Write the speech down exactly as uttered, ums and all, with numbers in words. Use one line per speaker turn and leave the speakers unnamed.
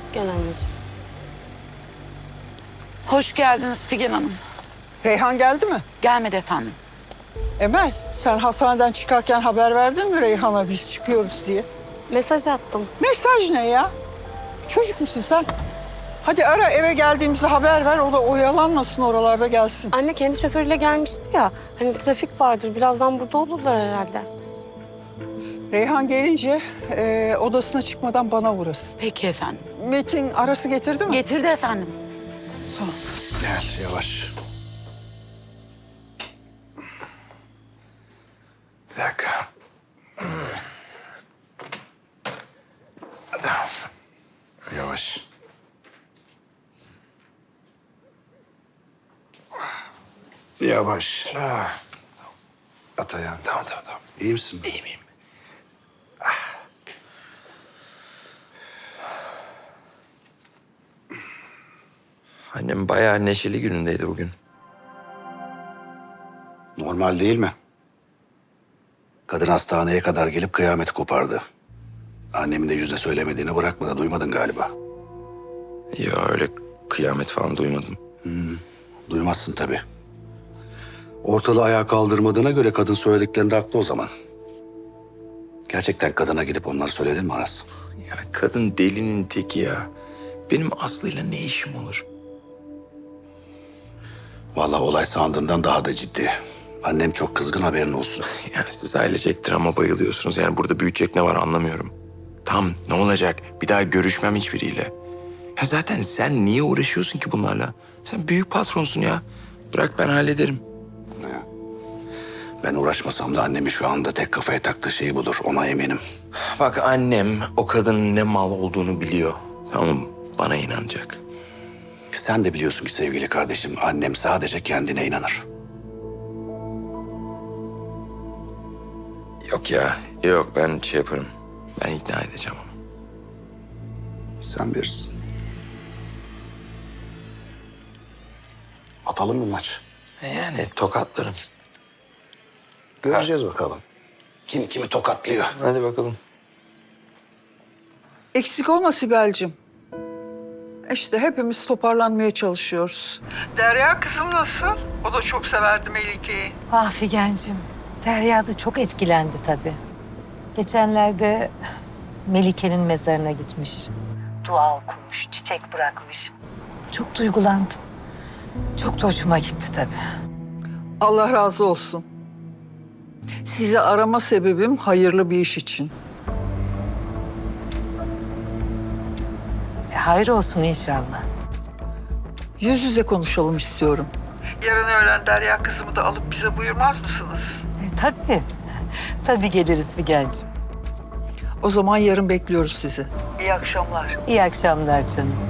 Gel anneciğim.
Hoş geldiniz Figen Hanım.
Reyhan geldi mi?
Gelmedi efendim.
Emel, sen hastaneden çıkarken haber verdin mi Reyhan'a biz çıkıyoruz diye?
Mesaj attım.
Mesaj ne ya? Çocuk musun sen? Hadi ara, eve geldiğimizde haber ver. O da oyalanmasın, oralarda gelsin.
Anne kendi şoförüyle gelmişti ya. Hani trafik vardır. Birazdan burada olurlar herhalde.
Reyhan gelince e, odasına çıkmadan bana uğrasın.
Peki efendim.
Metin arası getirdi mi?
Getirdi efendim.
Tamam.
Gel yavaş. Bir dakika. Tamam. Yavaş. Yavaş. Ah. At ayağını. Tamam tamam tamam. İyi misin? İyiyim iyiyim.
Annem bayağı neşeli günündeydi bugün.
Normal değil mi? Kadın hastaneye kadar gelip kıyameti kopardı. Annemin de yüzde söylemediğini bırakmadı. Duymadın galiba.
Ya öyle kıyamet falan duymadım.
Duymazsın tabii. Ortalığı ayağa kaldırmadığına göre kadın söylediklerinde haklı o zaman. Gerçekten kadına gidip onları söyledin mi Aras?
Ya kadın delinin teki ya. Benim Aslı'yla ne işim olur?
Vallahi olay sandığından daha da ciddi. Annem çok kızgın, haberin olsun.
Ya siz ailecek drama bayılıyorsunuz. Yani burada büyütecek ne var anlamıyorum. Tam ne olacak? Bir daha görüşmem hiçbiriyle. Ya zaten sen niye uğraşıyorsun ki bunlarla? Sen büyük patronsun ya. Bırak ben hallederim.
Ben uğraşmasam da annemin şu anda tek kafaya taktığı şey budur. Ona eminim.
Bak annem o kadının ne mal olduğunu biliyor. Tamam bana inanacak.
Sen de biliyorsun ki sevgili kardeşim, annem sadece kendine inanır.
Yok ya yok ben şey yaparım. Ben ikna edeceğim onu.
Sen bilirsin. Atalım mı maç?
Yani tokatlarım.
Göreceğiz bakalım. Kim kimi tokatlıyor.
Hadi bakalım.
Eksik olma Sibel'cim. İşte hepimiz toparlanmaya çalışıyoruz. Derya kızım nasıl? O da çok severdi Melike'yi.
Ah Figen'cim, Derya da çok etkilendi tabii. Geçenlerde Melike'nin mezarına gitmiş. Dua okumuş, çiçek bırakmış. Çok duygulandım. Çok da hoşuma gitti tabii.
Allah razı olsun. Sizi arama sebebim hayırlı bir iş için.
E, hayır olsun inşallah.
Yüz yüze konuşalım istiyorum. Yarın öğlen Derya kızımı da alıp bize buyurmaz mısınız?
E, tabii. Tabii geliriz Figen'cim.
O zaman yarın bekliyoruz sizi. İyi akşamlar.
İyi akşamlar canım.